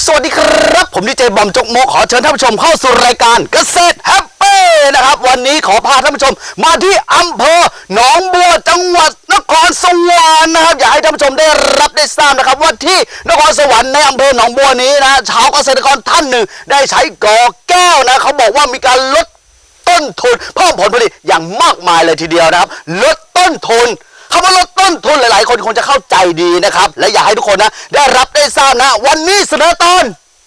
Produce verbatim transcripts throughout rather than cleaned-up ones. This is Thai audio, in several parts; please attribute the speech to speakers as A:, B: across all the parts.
A: สวัสดีครับผมดีเจบอมจกโมขอเชิญท่านผู้ชมเข้าสู่รายการเกษตรแฮปปี้นะครับวันนี้ขอพาท่านผู้ชมมาที่อำเภอหนองบัวจังหวัดนครสวรรค์นะครับอยากให้ท่านผู้ชมได้รับได้ทราบนะครับว่าที่นครสวรรค์ในอำเภอหนองบัวนี้นะชาวเกษตรกรท่านหนึ่งได้ใช้กอแก้วนะเขาบอกว่ามีการลดต้นทุนเพิ่มผลผลิตอย่างมากมายเลยทีเดียวนะครับลดต้นทุนคำว่าลดต้นทุนหลายๆคนคงจะเข้าใจดีนะครับและอยากให้ทุกคนนะได้รับได้ทราบนะวันนี้เสนอตอน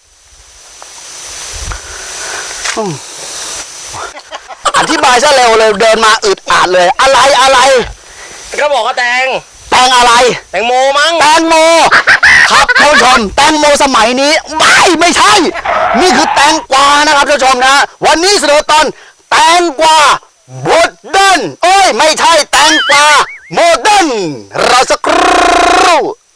A: อธิบายซะเร็วเลยเดินมาอึดอัดเลยอะไรอะไร
B: ก็บอกว่าแตง
A: แตงอะไร
B: แตงโมมั้ง
A: แตงโมครับท่านผู้ชมแตงโมสมัยนี้ไม่ไม่ใช่นี่คือแตงกวานะครับท่านผู้ชมนะวันนี้เสนอตอนแตงกวาโมเดิร์นเอ้ยไม่ใช่แตงกวาโมเดิร์นเราสักครู่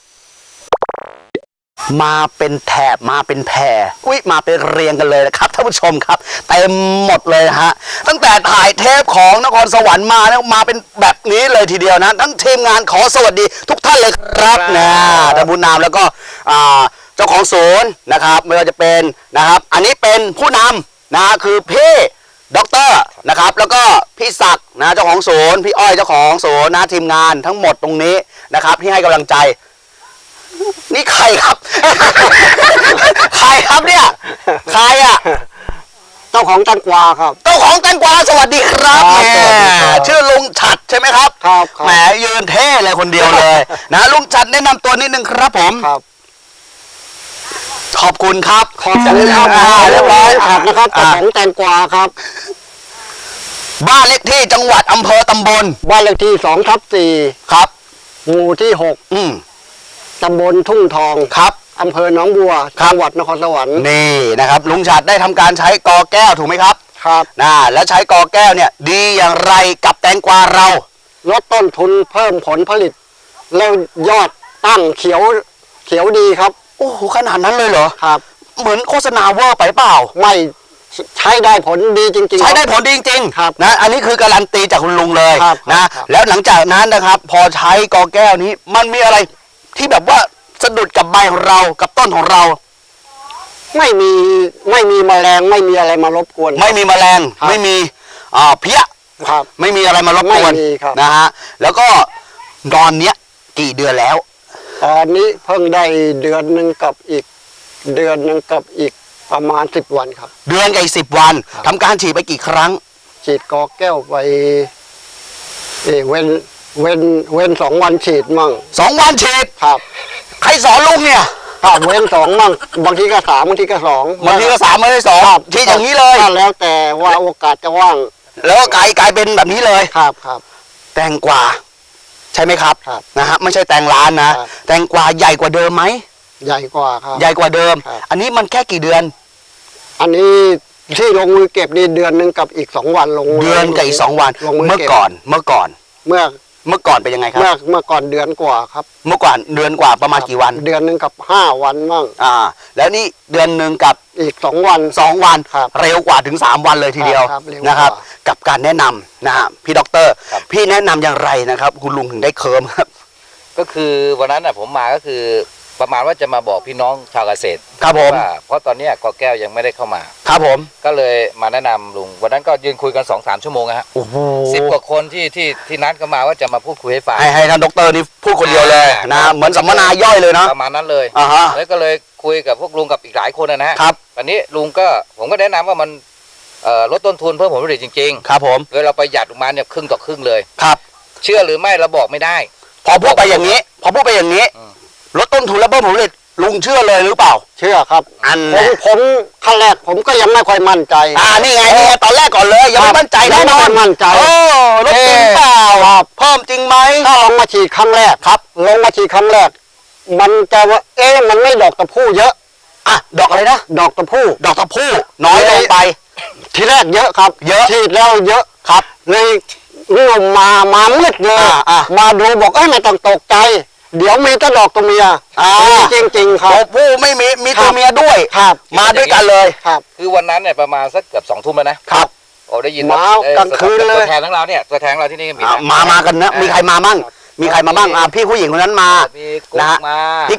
A: มาเป็นแถบมาเป็นแพรอุ้ยมาเป็นเรียงกันเลยนะครับท่านผู้ชมครับเต็มหมดเลยฮะตั้งแต่ถ่ายเทปของนครสวรรค์มาเนี่ยมาเป็นแบบนี้เลยทีเดียวนะทั้งทีมงานขอสวัสดีทุกท่านเลยครับนะท่านผู้นำแล้วก็เจ้าของศูนย์นะครับไม่ว่าจะเป็นนะครับอันนี้เป็นผู้นำนะคือพี่ด็อกเตอร์นะครับแล้วก็พี่ศักดิ์นะเจ้าของศูนย์พี่อ้อยเจ้าของศูนย์นะทีมงานทั้งหมดตรงนี้นะครับที่ให้กำลังใจนี่ใครครับใครครับเนี่ยใครอ่ะ
C: เจ้าของแตงกวาครับ
A: เจ้าของแตงกวาสวัสดีครับแหมชื่อลุงฉัดใช่ไหมครับ
C: ครับ
A: แหมยืนเท่เลยคนเดียวเลยนะลุงฉัดแนะนำตัวนิดนึงครับผม
C: ครับ
A: ขอบคุณครับ
C: ขอบคุณครับเรียบร้อยครับนะครับเจ้าของแตงกวาครับ
A: บ้านเลขที่จังหวัดอำเภอตำบล
C: บ้านเลขที่สองทับสี่
A: ครับ
C: หมู่ที่หก
A: อืม
C: ตำบลทุ่งทอง
A: ครับ
C: อำเภอหนองบัวจังหวัดนครสวรรค์
A: นี่นะครับลุงฉัดได้ทำการใช้กอแก้วถูกไหมครับ
C: ครับ
A: นะแล้วใช้กอแก้วเนี่ยดีอย่างไรกับแตงกวาเรา
C: ลดต้นทุนเพิ่มผลผลิตแล้วยอดตั้งเขียวเขียวดีครับ
A: โอ้โหขนาดนั้นเลยเหรอ
C: ครับ
A: เหมือนโฆษณาเวอร์ไปเปล่า
C: ไม่ใช้ได้ผลดีจริงๆ
A: ใช้ได้ผลดีจริง
C: ๆครับ
A: นะอันนี้คือการันตีจากคุณลุงเลยนะแล้วหลังจากนั้นนะครับพอใช้กอแก้วนี้มันมีอะไรที่แบบว่าสะดุดกับใบของเรากับต้นของเรา
C: ไม่มีไม่มีแมลงไม่มีอะไรมารบกวน
A: ไม่มีแมลงไม่มีอ่าเพี้ย
C: ครับ
A: ไม่มีอะไรมารบกวนนะฮะแล้วก็ตอนเนี้ยกี่เดือนแล้ว
C: ตอนนี้เพิ่งได้เดือนหนึ่งกับอีกเดือนหนึ่งกับอีกประมาณสิบวันครับ
A: เดือนกับอีกสิบวันทำการฉีดไปกี่ครั้ง
C: ฉีดกอแก้วไปเอเว้นเว้นเว้นสองวันฉีดมั่ง
A: สองวันฉีด
C: ครับ
A: ใครสอนลุงเนี่ย
C: ครับเว้นสองมั่งบางทีก็สามบางทีก็สอง
A: บางทีก็สามบางทีสองฉีดอย่างนี้เลย
C: แล้วแต่ว่าโอกาสจะว่าง
A: แล้วกลายกลายเป็นแบบนี้เลย
C: ครับครับ
A: แตงกวาใช่ไหมครับนะฮะไม่ใช่แตงร้านนะแตงกวาใหญ่กว่าเดิมไหม
C: ใหญ่กว่าครับ
A: ใหญ่กว่าเดิมอันนี้มันแค่กี่เดือน
C: อันนี้ที่ลงมือเก็บนี่เดือนหนึ่งกับอีกสองวันลง
A: เดือนกับอีกสองวันเมื่อก่อนเมื่อก่อน
C: เมื่อ
A: เมื่อก่อนเป็นยังไงครับ
C: เมื่อเมื่อก่อนเดือนกว่าครับ
A: เมื่อก่อนเดือนกว่าประมาณกี่วัน
C: เดือนหนึ่งกับห้าวันมั่ง
A: อ่าแล้วนี่เดือนหนึ่งกับ
C: อีกสองวัน
A: สองวันเร็วกว่าถึงสามวันเลยทีเดียวนะครับกับการแนะนำนะฮะพี่ด็อกเตอร์พี่แนะนำอย่างไรนะครับคุณลุงถึงได้เคิร์มครับ
B: ก็คือวันนั้นน่ะผมมาก็คือประมาณว่าจะมาบอกพี่น้องชาวเกษตร
A: ครับผม
B: ว่าเพราะตอนนี้กอแก้วยังไม่ได้เข้ามา
A: ครับผม
B: ก็เลยมาแนะนำลุงวันนั้นก็ยืนคุยกันสองสามชั่วโมงฮะ
A: โอ้โห
B: สิบกว่าคนที่ที่ที่นัดกันมาว่าจะมาพูดคุยให้ฟัง
A: ให้ให้ท่านด็อกเตอร์นี่พูดคนเดียวเลยนะเหมือนสัมมนาย่อยเลยเนาะ
B: ประมาณนั้นเลย
A: อ่าฮะ
B: แล้วก็เลยคุยกับพวกลุงกับอีกหลายคนนะฮะครับตอนนี้ลุงก็ผมก็แนะนำว่ามันลดต้นทุนเพิ่มผลผลิตจริง
A: ๆครับผม
B: โดยเราประหยัดออกมาเนี่ยครึ่งต่อครึ่งเลย
A: ครับ
B: เชื่อหรือไม่เราบอกไม่ได้
A: พอพูดไปอย่างนี้พอพูดไปอย่างนี้ลดต้นทุนแล้วเพิ่มผลผลิตลุงเชื่อเลยหรือเปล่า
C: เชื่อครับ
A: อัน
C: ผมผมขั้นแรกผมก็ยังไม่ค่อยมั่นใจ
A: อ่านี่ไงนี่ไงตอนแรกก่อนเลยยังไม่มั่นใจ
C: แน่นอนมั่นใจ
A: โอ้ลดจริงเปล่าเพิ่มจริงไหม
C: ถ้าลงมาฉีดครั้งแรก
A: ครับ
C: ลงมาฉีดครั้งแรกมันจะว่าเอ๊ะมันไม่ดอกตะพู่เยอะ
A: อ่ะดอกอะไรนะ
C: ดอกตะพู่
A: ดอกตะพู่น้อยลงไป
C: ทีแรกเยอะครับ
A: เยอะ
C: ฉีดแล้วเยอะ
A: ครับ
C: เลยงมมามามืดเลยมาดูบอกเอ้ยไม่ต้องตกใจเดี๋ยวมีแต่ดอกตัวเมีย
A: อ่า
C: จริงจริงครับ
A: ตัวผู้ไม่มีมีตัวเมียด้วย
C: ครับ
A: มาด้วยกันเลย
C: ครับ
B: คือวันนั้นเนี่ยประมาณสักเกือบสองทุ่มแล้วนะครับโอ้ได้ยิน
C: มากลางคืนเลย
B: ตัวแทนทั้งเราเนี่ยตัวแทนเราที่นี่มี
A: มามากันนะมีใครมามั่งมีใครมาบ้างอ่าพี่ผู้หญิงคนนั้นมา
B: พี่กุ๊กมา
A: พี่กุ๊ก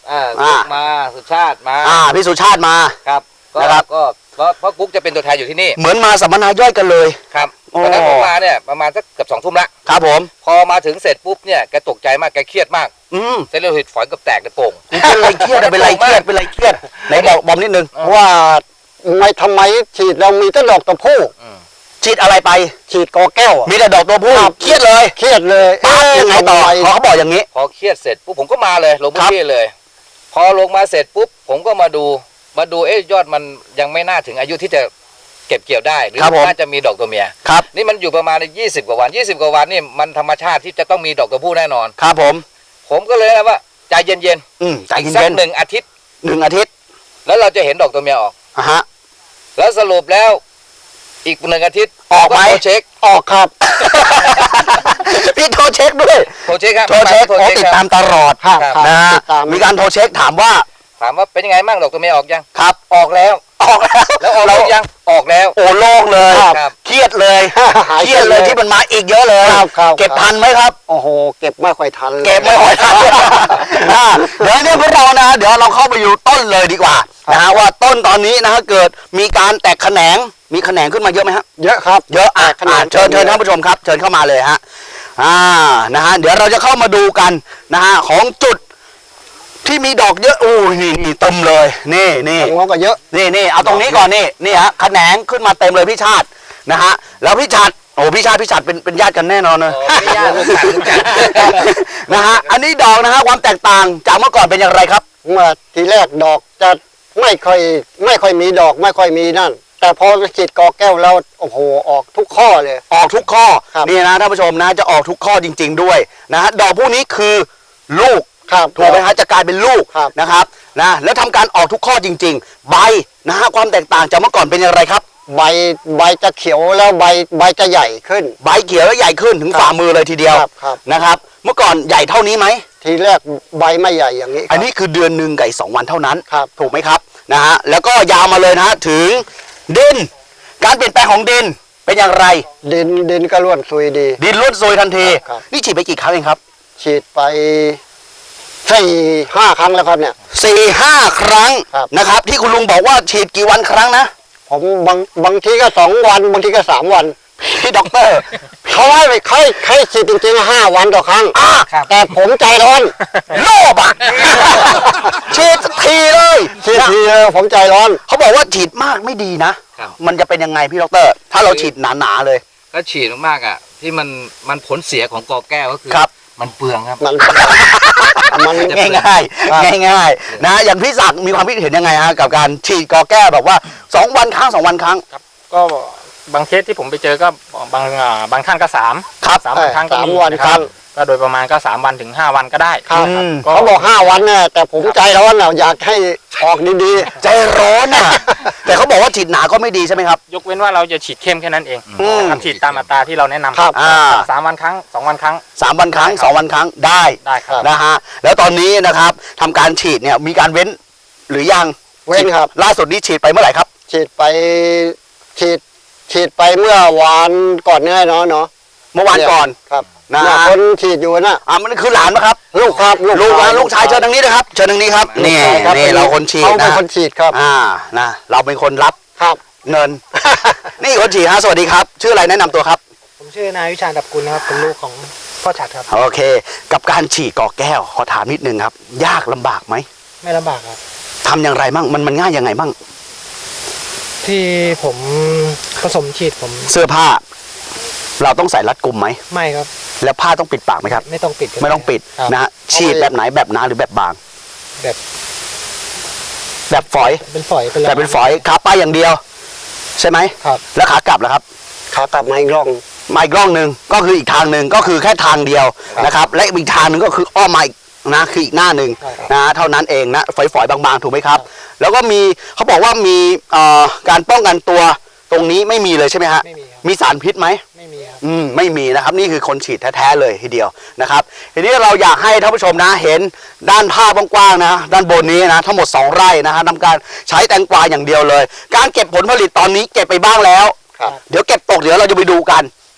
B: อ่า
A: อ่า
B: กุ๊กมาสุชาติมา
A: อ่าพี่สุชาติมา
B: ครับก็
A: นะครับ
B: ก็เพราะเพราะกุ๊กจะเป็นตัวแทนอยู่ที่นี่
A: เหมือนมาสัมมนาย่อยกันเลย
B: ครับ
A: โอ้
B: ตอนนั้นผมมาเนี่ยประมาณสักเกือบสองทุ่มละ
A: ครับผม
B: พอมาถึงเสร็จปุ๊บเนี่ยแกตกใจมากแกเครียดมาก
A: อืม
B: เส้นเลือดฝอยเกับแตกในโป่ง
A: เป็นไรเครียดอะเป็นไรเครียดเป็นไรเครียดไหนบอกบอมนิดนึง
C: ว่าไม่ทำไมฉีดเรามีแต่ดอกตะพู
B: อืม
A: ฉีดอะไรไป
C: ฉีดกอแก้วอะ
A: มีแต่ดอกตัวผู้
C: ครับ
A: เครียดเลย
C: เครียดเลย
A: ปั๊บยังไงต่อ
C: ทำม
A: พอเขาบอกอย่างนี้
B: พอเครียดเสร็จปุ๊บผมก็มาเลยลงพื้
A: ครั
B: น
A: บ
B: ที่เลย พอลงมาเสร็จปุ๊บผมก็มาดูมาดูเอ๊ะยอดมันยังไม่น่าถึงอายุที่จะเก็บเกี่ยวได้หรือ
A: ครับผม
B: น่าจะมีดอกตัวเมีย
A: ครับ
B: นี่มันอยู่ประมาณยี่สิบกว่าวันยี่สิบกว่าวันนี่มันธรรมชาติที่จะต้องมีดอกตัวผู้แน่นอน
A: ครับผม
B: ผมก็เลยนะว่าใจเย็น
A: อืมใจ
B: ๆอีกสั
A: เย็
B: ก
A: น
B: หนึ่งอาทิตย์
A: ๆหนึ่งอาทิตย์
B: แล้วเราจะเห็นดอกตัวเมียออก
A: อ่ะฮะ
B: แล้วสรุปแล้วอีกหนึ่งอาทิตย์
A: ออกไหม
B: โทรเช็ค
C: ออกครับ
A: พี่โทรเช็คด้วย
B: โทรเช็คครับ
A: โทรเช็ค
B: โทร
A: โอ้
B: เช็ค
A: ติด
B: ค
A: ตา
B: รับ
A: มตลอด
C: ครับ
B: ครับ
C: ครับ
A: นะ
C: ติดตาม
A: มีการโทรเช็คถามว่า
B: ถามว่าเป็นยังไงบ้างดอกตัวเมียออกยัง
A: ครับ
B: ออกแล้ว
A: ออกแล้ว
B: แล้วออก
A: เรา
B: หรือยังออกแล้ว
A: โอ้โล่งเลย
B: ครับ
A: เครียดเลย
C: หาย
A: เครียดเลยที่มันมาอีกเยอะเลย
C: ครับครับ
A: เก็บทันไหมครับ
C: โอ้โห เก็บไม่ค่อยทันเลย
A: เก็บไม่ค่อยทันอ่าเดี๋ยวเนี่ยพวกเรานะเดี๋ยวเราเข้าไปอยู่ต้นเลยดีกว่านะฮะว่าต้นตอนนี้นะฮะเกิดมีการแตกแขนงมีแขนงขึ้นมาเยอะไหมฮะ
C: เยอะครับ
A: เยอะอ่ะ
C: แตกแขนง
A: อ่ะเชิญเชิญท่านผู้ชมครับเชิญเข้ามาเลยฮะอ่านะฮะเดี๋ยวเราจะเข้ามาดูกันนะฮะของจุดที่มีดอกเยอะอู้ยนี่นี่เต็มเลยนี่นี่
C: ทางโน้นก็เยอะ
A: นี่นี่เอาตรงนี้ก่อนนี่นี่ฮะแขนงขึ้นมาเต็มเลยพี่ชาตินะฮะแล้วพี่ชาติโอ้พี่ชาติพี่ชาติเป็นเป็นญาติกันแน่นอนเลย
B: โอ้ไม่ยากรู้จักรู้จัก
A: นะฮะอันนี้ดอกนะฮะความแตกต่างจากเมื่อก่อนเป็นอย่างไรครับ
C: เมื่อทีแรกดอกจะไม่ค่อยไม่ค่อยมีดอกไม่ค่อยมีนั่น แต่พอฉีดกอแก้วแล้วโอ้โหออกทุกข้อเลย
A: ออกทุกข้อ
C: ครับ
A: นี่นะท่านผู้ชมนะจะออกทุกข้อจริง ๆ ด้วยนะฮะดอกพวกนี้คือลูก
C: ครับ
A: ถูกไหมฮะจะกลายเป็นลูก
C: ครับ
A: นะครับนะแล้วทำการออกทุกข้อจริง ๆ ใบนะฮะความแตกต่างจากเมื่อก่อนเป็นอย่างไรครับ
C: ใบใบจะเขียวแล้วใบใบจะใหญ่ขึ้น
A: ใบเขียวและใหญ่ขึ้นถึง
C: ครับ
A: ฝ่ามือเลยทีเดียว
C: ครับครับ
A: นะครับ เมื่อก่อนใหญ่เท่านี้ไหม
C: ทีแรกใบไม่ใหญ่อย่างนี้ครับ
A: อันนี้คือเดือนหนึ่งกับอีกสองวันเท่านั้น
C: ครับ
A: ถูกไหมครับนะฮะแล้วก็ยาวมาเลยนะฮะถึงดิน การเปลี่ยนแปลงของดินเป็นอย่างไร
C: ดินดินก็ร่วนซุยดี
A: ดินล้วนซุยทันที
C: ครับ
A: นี่ฉีดไปกี่ครั้งเองครับ
C: ฉีดไปสี่ห้าครั้งแล้วครับเนี่ย
A: สี่ห้าครั้ง
C: ครับ
A: นะครับ ที่คุณลุงบอกว่าฉีดกี่วันครั้งนะ
C: ผมบางบางทีก็สองวันบางทีก็สามวัน
A: พี่ด็อกเตอร์
C: เขาให้ไปใครใครฉีดจริงๆห้าวันต่อครั้ง
A: อ่ะ
B: ครับ
C: แต่ผมใจร้อน
A: โลภอ่ะ ฉีดสักทีเลย
C: ฉีดทีเดียวผมใจร้อน
A: เขาบอกว่าฉีดมากไม่ดีนะ
B: ครับ
A: มันจะเป็นยังไงพี่ด็อกเตอร์ ถ้าเราฉีดหนาๆเลย
B: ก็ฉีดมากๆอ่ะที่มันมันผลเสียของกอแก้วก็คือ
A: ครับ
B: มันเปลืองครับ
C: มันมัน
A: ง่ายง่าย
C: ครับ
A: ง่ายง่ายๆนะอย่างพี่ศักดิ์มีความคิดเห็นยังไงฮะกับการฉีดกอแก้วแบบว่าสองวันครั้งสองวันครั้ง
D: ก็บางเคสที่ผมไปเจอก็บางอ่าบางท่านก็สาม
A: ครับ
D: สามวันครั้งก็
C: สาม
D: มี
C: วัน
D: นะ
C: ค
D: ค
C: รั้
D: รั
C: ง
D: บก็โดยประมาณก็สามวันถึงห้าวันก็ได้
C: ครับ
A: อืม
D: ก็
C: เขาบอกห้าวันเนี่ยแต่ผมใจร้อนน่ะอยากให้ออกดี
A: ใจร้อนอ่ะ แต่เขาบอกว่าฉีดหนาก็ไม่ดีใช่ไหมครับ
D: ยกเว้นว่าเราจะฉีดเข้มแค่นั้นเอง
A: อืม
D: นะครับฉีดตามอัตราที่เราแนะนำ
C: ครับ
A: อ่า
D: สามวันครั้งสองวันครั้ง
A: สามวันครั้ง
D: ได้ครับ
A: สองวันครั้งได้
D: ได้ครับ
A: นะฮะแล้วตอนนี้นะครับทำการฉีดเนี่ยมีการเว้นหรือยัง
C: ๆ เว้นครับ
A: ล่าสุดนี้ฉีดไปเมื่อไหร่ครับ
C: ฉีดไปฉีดฉีดไปเมื่อวานก่อนเนี่ยเนาะเนาะ
A: เมื่อวานก่อน
C: ครับ
A: นะ
C: เนี่ยคนฉีดอยู่น่ะ
A: อ่ามันคือหลานปะครับ
C: ลูกครับ
A: ลูกนะลูกชายเชิญทางนี้นะครับเชิญทางนี้ครับนี่
C: ใช่ครับ
A: นี่เราคนฉีด
C: เขาเป็น
A: นะ
C: คนฉีดครับ
A: อ่านะเราเป็นคนรับ
C: ครับ
A: เงิน นี่คนฉีดฮะสวัสดีครับ ชื่ออะไรแนะนำตัวครับ
E: ผมชื่อนายวิชาญดับกุลนะครับเป็นลูกของพ่อฉัดครับ
A: โอเค กับการฉีดกอแก้วขอถามนิดนึงครับ ยากลำบากไหม
E: ไม่ลำบากครับ
A: ทำอย่างไรบ้างมันมันง่ายยังไงบ้าง
E: ที่ผมผสมฉีดผม
A: เสื้อผ้า เราต้องใส่รัดกุมไหม
E: ไม่ครับ
A: แล้วผ้าต้องปิดปากไหมครับ
E: ไม่ต้องปิดก็
A: ไม่ต้องปิด
E: ครับ
A: นะฮะฉีดแบบไหนแบบหนาหรือแบบบาง
E: แบบ
A: แบบฝอย
E: เป็นฝอยเป็น
A: แต่เป็นฝอยขาไปอย่างเดียว ใช่ไหม
E: ครับ
A: แล้วขากลับล่ะครับ
C: ขากลับมาอีกรอบ
A: มาอีกร่องหนึ่งก็คืออีกทางหนึ่งก็คือแค่ทางเดียว
C: ครับ
A: นะครับและอีกทางหนึ่งก็คืออ้อมมาอีกนะคืออีกหน้าหนึ่ง
E: ใช่ครับ
A: นะเท่านั้นเองนะฝอยๆบางๆถูกไหมครับ แล้วก็มีเขาบอกว่ามีเอ่อการป้องกันตัวตรงนี้ไม่มีเลยใช่ไหมฮะ
E: ไม่มีครับ
A: มีสารพิษไหม
E: ไม่มีครับ
A: อืมไม่มีนะครับนี่คือคนฉีดแท้ๆเลยทีเดียวนะครับทีนี้เราอยากให้ท่านผู้ชมนะเห็นด้านภาพกว้างๆนะด้านบนนี้นะทั้งหมดสองไร่นะฮะทำการใช้แตงกวาอย่างเดียวเลย การเก็บผลผลิตตอนนี้เก็บไปบ้างแล้ว
C: ครับ
A: เดี๋ยวเก็บตกเดี๋ยวเราจะไปดูกัน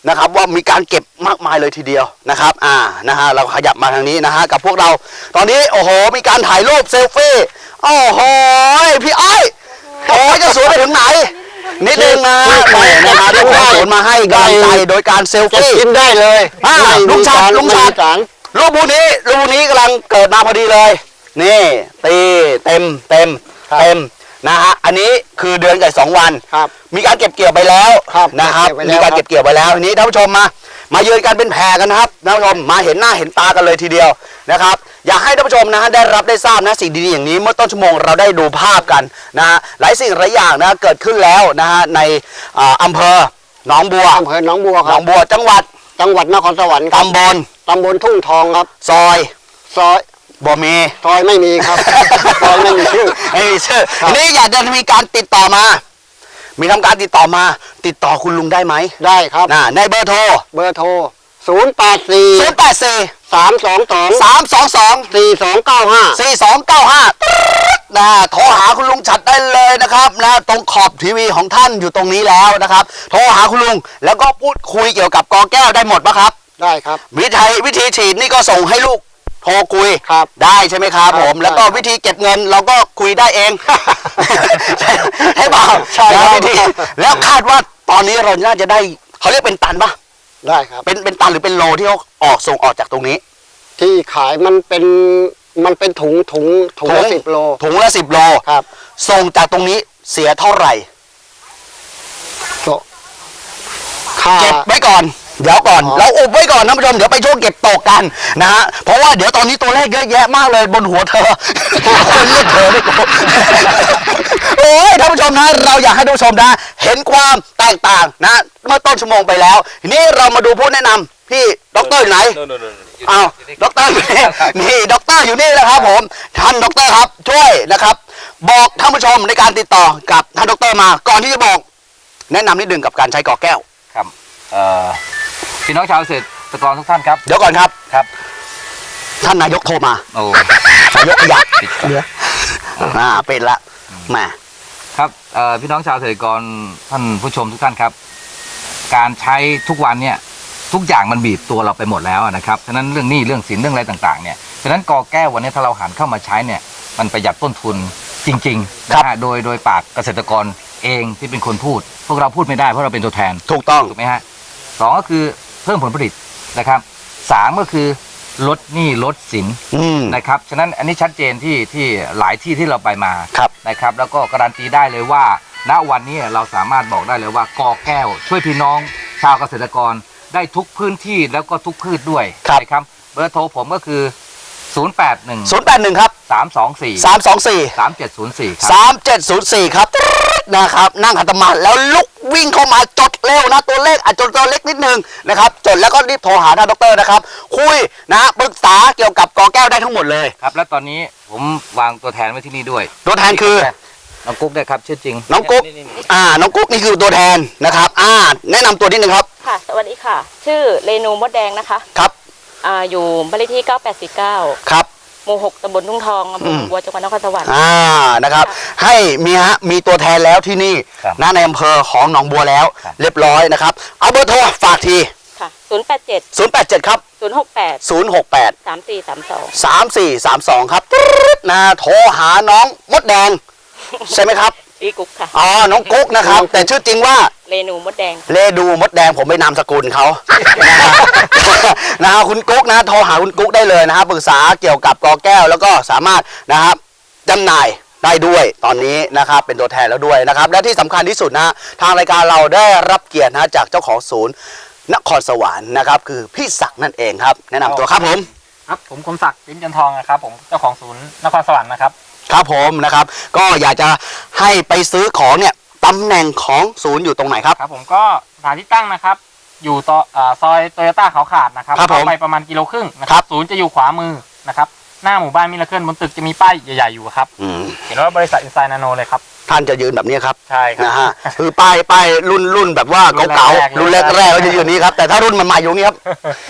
A: นะครับว่ามีการเก็บมากมายเลยทีเดียวนะครับอ่านะฮะเราขยับมาทางนี้นะฮะกับพวกเราตอนนี้โอ้โหมีการถ่ายรูปเซลฟี่โอ้โหพี่อ้อยโอ้ยจะสวยไปถึงไหนนิดนึงนะแหมนะฮะได้ความสวนมาให้กำลังใจโดยการเซล
C: จะ
A: ฟี่
C: กินได้เลย
A: อ่า
C: ไม่มี
A: ลุงชัด
C: สาร
A: ลุงชัด
C: ไม่มีสาร
A: รูปพวกนี้รูปพวกนี้กำลังเกิดมาพอดีเลยนี่ตีเต็มเต็มเต็มนะฮะอันนี้คือเดือนกับสองวัน
C: ครับ
A: มีการเก็บเกี่ยวไปแล้ว
C: ครับ
A: นะครับ
C: เก็บไว้แล้ว
A: มีการเก็บเกี่ยวไปแล้วทีนี้ท่านผู้ชมมา มายืนกันเป็นแพรกันนะครับท่านผู้ชมมาเห็นหน้าเห็นตากันเลยทีเดียวนะครับอยากให้ท่านผู้ชมนะฮะได้รับได้ทราบนะสิ่งดีๆอย่างนี้เมื่อต้นชั่วโมงเราได้ดูภาพกันนะฮะหลายสิ่งหลายอย่างนะเกิดขึ้นแล้วนะฮะในอ่าอำเภอหนองบัว
C: อำเภอหนองบัว
A: ห
C: คน รั
A: อบ งบัวจังหวัด
C: จังหวัดนครสวรรค์ครับ
A: ตำบล
C: ตำบลทุ่งทองครับ
A: ซอย
C: ซอย
A: บ่มี
C: ซอยไม่มีครับ ซอยไม่มีชื่อ
A: ไม่มีชื่อ
C: ครับ
A: ทีนี้อยากจะมีการติดต่อมา มีทำการติดต่อมา ติดต่อคุณลุงได้ไหม
C: ได้ครับ
A: นะในเบอร์โทร
C: เบอร์โทรศูนย์แปดสี่
A: ศูนย์แปดสี่
C: สามสองสอง
A: สามสองสอง
C: สี่สองเก้าห้า
A: สี่สองเก้าห้านะโทรหาคุณลุงฉัดได้เลยนะครับนะตรงขอบทีวีของท่านอยู่ตรงนี้แล้วนะครับ โทรหาคุณลุงแล้วก็พูดคุยเกี่ยวกับกอแก้วได้หมดปะครับ
C: ได้ครับ
A: วิธีวิธีฉีดนี่ก็ส่งให้ลูกโทรคุย
C: ครับ
A: ได้ใช่ไหมครับ
C: ครับ
A: ผม แล้วก็
C: ได้ครับ
A: วิธีเก็บเงินเราก็คุยได้เอง ให้เปล่า
C: ใช่ครับ
A: นะวิธีแล้วคาดว่าตอนนี้เราน่าจะได้เขาเรียกเป็นตันปะ
C: ได้ครับ
A: เป็นเป็นตันหรือเป็นโลที่เขาออกส่งออกจากตรงนี้
C: ที่ขายมันเป็นมันเป็นถุงถุงถุงละสิบโล
A: ถุงละสิบโล
C: ครับ
A: ส่งจากตรงนี้เสียเท่าไหร่
C: โตค่า
A: เก็บไว้ก่อนเดี๋ยวก่อน
C: อ๋อ
A: เราอุบไว้ก่อนท่านผู้ชมเดี๋ยวไปช่วงเก็บตกกันนะฮะเพราะว่าเดี๋ยวตอนนี้ตัวเลขเยอะแยะมากเลยบนหัวเธอ คนเรียกเธอไม่กูโอ้ยท่านผู้ชมนะเราอยากให้ท่านผู้ชมนะเห็นความแตกต่างนะเมื่อต้นชั่วโมงไปแล้วทีนี้เรามาดูผู้แนะนำพี่ด็อกเตอร์อยู่ไหนอ้าวด็อกเตอร์อยู่นี่นี่ด็อกเตอร์อยู่นี่แหละครับผมท่านด็อกเตอร์ครับช่วยนะครับ บอกท่านผู้ชมในการติดต่อกับท่านด็อกเตอร์มา ก่อนที่จะบอก แนะนำนิดหนึ่งกับการใช้กอแก้ว
B: ครับเอ่อพี่น้องชาวเกษตรกรทุกท่านครับ
A: เดี๋ยวก่อนครับ
B: ครับ
A: ท่านนายกโทรมา
B: โอ้
A: นายกอยากเดี๋ยวอ่าเป็นละแหม
B: ครับเอ่อพี่น้องชาวเกษตรกรท่านผู้ชมทุกท่านครับ การใช้ทุกวันเนี่ยทุกอย่างมันบีบตัวเราไปหมดแล้วนะครับฉะนั้นเรื่องหนี้เรื่องสินเรื่องอะไรต่างๆเนี่ยฉะนั้นกอแก้ววันนี้ถ้าเราหันเข้ามาใช้เนี่ยมันประหยัดต้นทุนจริงๆนะฮะโดยโดยปากเกษตรกรเองที่เป็นคนพูด พวกเราพูดไม่ได้เพราะเราเป็นตัวแทน
A: ถูกต้อง
B: ถูกไหมฮะสองก็คือเพิ่มผลผลิตนะครับสามก็คือลดหนี้ลดสิน
A: อืม
B: นะครับฉะนั้นอันนี้ชัดเจนที่ที่หลายที่ที่เราไปมา
A: ครับ
B: นะครับแล้วก็การันตีได้เลยว่าณวันนี้เราสามารถบอกได้เลยว่ากอแก้ว ช่วยพี่น้องชาวเกษตรกรได้ทุกพื้นที่แล้วก็ทุกพืชด้วย
A: ครับ
B: นะครับเบอร์โทรผมก็คือ ศูนย์ แปด หนึ่ง
A: ศูนย์แปดหนึ่งครับ
B: สาม สอง สี่
A: สามสองสี่
B: สาม เจ็ด ศูนย์ สี่ครับ
A: สามเจ็ดศูนย์สี่ครับนะครับนั่งขัดสมาธิแล้วลุกวิ่งเข้ามาจดเร็วนะตัวเลขอาจจะตัวเล็กนิดนึงนะครับจดแล้วก็รีบโทรหาท่านดอกเตอรนะครับคุยนะปรึกษาเกี่ยวกับกอแก้วได้ทั้งหมดเลย
B: ครับและตอนนี้ผมวางตัวแทนไว้ที่นี่ด้วย
A: ตัวแทนคือ
B: น้องกุ๊กได้ครับชื่อจริง
A: น้องกุ๊ก อ่าน้องกุ๊กนี่คือตัวแทนนะครับอ่าแนะนำตัวนิดนึงครับ
F: ค่ะ สวัสดีค่ะ ชื่อเรนูมดแดงนะคะ
A: ครับ
F: อ่าอยู่บ้านเลขที่เก้าแปดสี่เก้า
A: ครับ
F: หมู่หกตำบลทุ่งทองอำเภอ
A: อืม
F: บัวจังหวัดนครสวรรค์
A: อ่านะครับ ให้มีฮะมีตัวแทนแล้วที่นี่
B: ครับ
A: นะในอำเภอของหนองบัวแล้ว
B: ครับ
A: เรียบร้อยนะครับเอาเบอร์โทรฝากที
F: ค่ะศูนย์แปดเจ็ด
A: ศูนย์แปดเจ็ดครับ
F: ศูนย์หกแปด
A: ศูนย์หกแปด
F: สามสี่สามสอง
A: สามสี่สามสองครับนะโทรหาน้องมดแดง ใช่ไหมครับ
F: พี่กุ๊กค่ะ
A: อ๋อน้องกุ๊กนะครับ แต่ชื่อจริงว่า
F: เรนูมดแดง
A: เลดูมดแดงผมไปนามสกุลเขา นะครับนะฮะคุณกุ๊กนะโทรหาคุณกุ๊กได้เลยนะครับปรึกษาเกี่ยวกับกอแก้วแล้วก็สามารถนะครับจำหน่ายได้ด้วยตอนนี้นะครับเป็นตัวแทนแล้วด้วยนะครับ และที่สำคัญที่สุดนะทางรายการเราได้รับเกียรตินะจากเจ้าของศูนย์นครสวรรค์นะครับคือพี่ศักดิ์นั่นเองครับ แนะนำตัวครับผม
D: ครับผมคมศักดิ์ปิ้นจันทองนะครับผมเจ้าของศูนย์นครสวรรค์นะครับ
A: ครับผมนะครับ ก็อยากจะให้ไปซื้อของเนี่ยตำแหน่งของศูนย์อยู่ตรงไหนครับ
D: ครับผมก็สถานที่ตั้งนะครับ อยู่ต่ออ่าซอยโตโยต้าเขาขาดนะครับ
A: ครับผม
D: เข้าไปประมาณกิโลครึ่งนะค
A: ครั
D: รับบ ศูนย์จะอยู่ขวามือนะครับหน้าหมู่บ้านมิลเลอร์เคิลบนตึกจะมีป้ายใหญ่ๆอยู่ครับ
A: อืม
D: เห็นว่าบริษัทอินไซน์นาโนเลยครับ
A: ท่านจะยืนแบบนี้ครับ
D: ใช่ครับ
A: นะฮะคือป้ายป้ายรุ่นรุ่นแบบว่า
D: รุ่น
A: เก่า
D: แรกๆ
A: ๆรุ่นแรกแรกๆก็จะอยู่นี้ครับแต่ถ้ารุ่นใหม่ๆอยู่นี้ครับ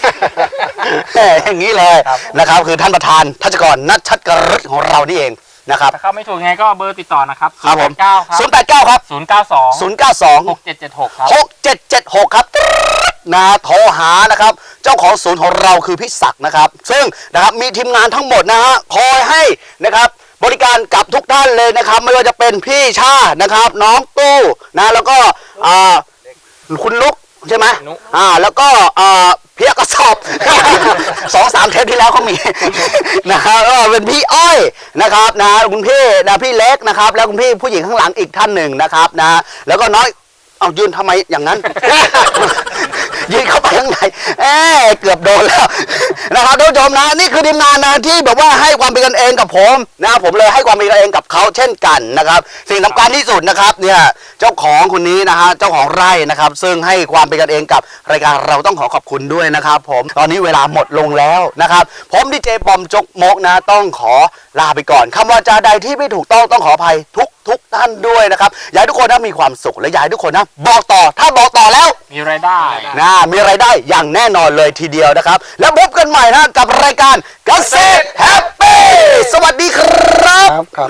A: อย่างนี้เลย
D: ครับ
A: นะครับคือท่านประธานทัชกรนัชชัดกรฤทธิ์ของเรานี่เองนะครับ
D: ถ้าเข้าไม่ถูกยังไงก็เบอร์ติดต่อนะครับ
A: ครับผม
D: เก้าครับ
A: ศูนย์แปดเก้าครับ
D: ศูนย์เก้าสอง
A: ศูนย์เก้าสอง
D: หกเจ็ดเจ็ดหกครับ
A: หกเจ็ดเจ็ดหกครับนะโทรหานะครับเจ้าของศูนย์ของเราคือพี่ศักดิ์นะครับซึ่งนะครับมีทีมงานทั้งหมดนะฮะคอยให้นะครับบริการกับทุกท่านเลยนะครับไม่ว่าจะเป็นพี่ชานะครับน้องตู้นะแล้วก็อ่าคุณลุกใช่ไหม
D: นุ
A: อ่าแล้วก็อ่าเพียกระสอบ สองสามเทปที่แล้วเขามี นะครับแล้วก็เป็นพี่อ้อยนะครับนะคุณพี่นะพี่เล็กนะครับแล้วคุณพี่ผู้หญิงข้างหลังอีกท่านหนึ่งนะครับนะแล้วก็น้อยเอายืนทำไมอย่างนั้น ยืนเข้าไปข้างในเอ้เกือบโดนแล้ว นะครับท่านผู้ชมนะนี่คือทีมงานนะที่แบบว่าให้ความเป็นกันเองกับผมนะผมเลยให้ความเป็นกันเองกับเขาเช่นกันนะครับสิ่งสำคัญที่สุดนะครับเนี่ยเจ้าของคนนี้นะฮะเจ้าของไร่นะครับซึ่งให้ความเป็นกันเองกับรายการเราต้องขอขอบคุณด้วยนะครับผมตอนนี้เวลาหมดลงแล้วนะครับผมดีเจปอมจกมกนะต้องขอลาไปก่อนคำว่าจาใดที่ไม่ถูกต้องต้องขออภัยทุกทุกท่านด้วยนะครับอยากให้ทุกคนนะมีความสุขและอยากให้ทุกคนนะบอกต่อถ้าบอกต่อแล้ว
D: มีรายได้
A: นะมีรายได้อย่างแน่นอนเลยทีเดียวนะครับ แล้วพบกันใหม่นะกับรายการเกษตรแฮปปี้สวัสดีครับ
C: ครับครับ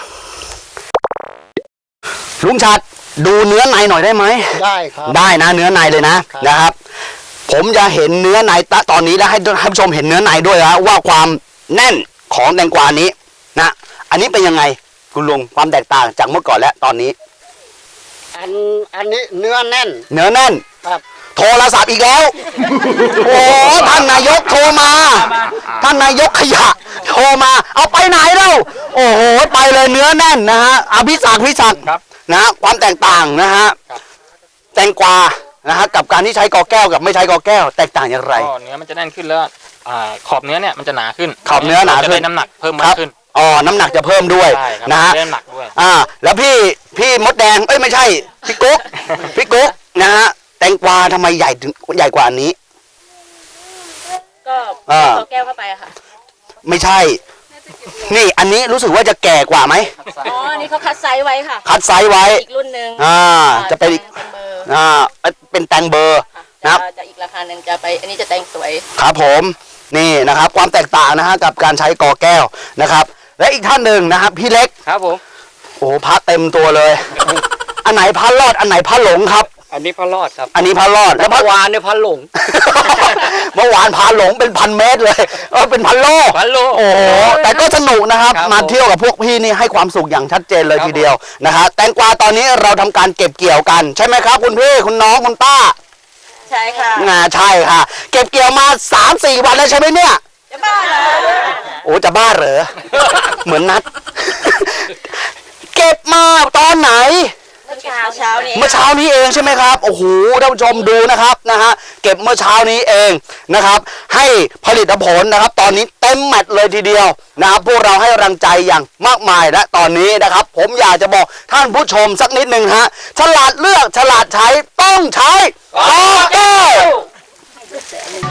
A: ลุงชัดดูเนื้อในหน่อยได้ไหม
C: ได้ครับ
A: ได้นะเนื้อในเลยนะครับ นะครับ ผมจะเห็นเนื้อในตะตอนนี้แล้วให้ท่านผู้ชมเห็นเนื้อในด้วยนะว่าความแน่นของแตงกวานี้นะอันนี้เป็นยังไงคุณลุงความแตกต่างจากเมื่อก่อนและตอนนี้
C: อันอันนี้เนื้อแน่น
A: เนื้อแน่น
C: ครับ
A: โทรศัพท์อีกแล้ว โอ้ท่านนายกโทรมา ท่านนายกขยะ โทรมา เอาไปไหนเล่าโอ้โห ไปเลยเนื้อแน่นนะฮะอภิศักดิ์พิศักดิ์
D: ครับ
A: นะฮะความแตกต่างนะฮะ แตงกวา นะฮะ กับการที่ใช้กอแก้วกับไม่ใช้กอแก้ว แตกต่างอย่างไร
D: ก็เนื้อมันจะแน่นขึ้นแล้วอ่าขอบเนื้อเนี่ยมันจะหนาขึ้น
A: ขอบเนื้อหนาขึ้น
D: จะได้น้ำหนักเพิ่ม
A: ค
D: มา
A: รั
D: ก
A: บ
D: ขึ้น
A: อ๋อ น้ำหนักจะเพิ่มด้วย
D: ใช่ครับ
A: นะฮะ
D: ได้น้ำหนักด้วย
A: อ่า แล้วพี่ พี่มดแดง เอ้ยไม่ใช่ พี่กุ๊ก พี่กุ๊ก นะฮะ แตงกวาทำไมใหญ่ถึงใหญ่กว่าอันนี้
F: ก็
A: อ่า
F: ต่อแก้วเข้าไปอะค่ะ
A: ไม่ใช่ นี่อันนี้รู้สึกว่าจะแก่กว่าไหม
F: อ๋ออันนี้เขาคัดไซส์ไว้ค่ะ
A: คัดไซส์ไว้
F: อีกรุ่นหนึ่ง
A: อ่า จะเป็นอีก
F: แตงเบอร์
A: อ่า เป็นแตงเบอร์
F: ค่ะ
A: ครับ
F: จะจะอีกราคาหนึ่งจะไป อันนี้จะแตงสวย
A: ครับผม นี่นะครับ ความแตกต่างนะฮะกับการใช้กอแก้วนะครับ และอีกท่านหนึ่งนะครับพี่เล็ก
D: ครับผม
A: โอ้โหพระเต็มตัวเลย อันไหนพระรอด อันไหนพระหลงครับ
D: อันนี้พระรอดครับ
A: อันนี้พระรอด แล้วพระ
D: วานเนี่ยพระหลง
A: เมื่อวานพาหลงเป็นพันเมตรเลยเออเป็นพันโล
D: พันโล
A: โอ้โหแต่ก็สนุกนะครับ
D: ครับ
A: มา
D: ผม
A: เที่ยวกับพวกพี่นี่ให้ความสุขอย่างชัดเจนเลย
D: ครับ
A: ทีเดียวนะฮะแตงกวาตอนนี้เราทำการเก็บเกี่ยวกันใช่ไหมครับ คุณพี่คุณน้องคุณป้า
F: ใช่ค่ะ
A: อ่าใช่ค่ะ เก็บเกี่ยวมาสามสี่วันแล้วใช่ไหมเนี่ย
F: จะบ้าเหรอ
A: โอ้จะบ้าเหรอ เหมือนนัด เก็บมาตอนไหน
F: เมื่อเช้าเช้านี้
A: เมื่อเช้านี้เองใช่ไหมครับโอ้โหท่านผู้ชมดูนะครับนะฮะเก็บเมื่อเช้านี้เองนะครับ ให้ผลิตผลนะครับ ตอนนี้เต็มแมตช์เลยทีเดียวนะครับพวกเราให้กำลังใจอย่างมากมายและตอนนี้นะครับ ผมอยากจะบอกท่านผู้ชมสักนิดหนึ่งฮะฉลาดเลือกฉลาดใช้ต้องใช้กอแก้ว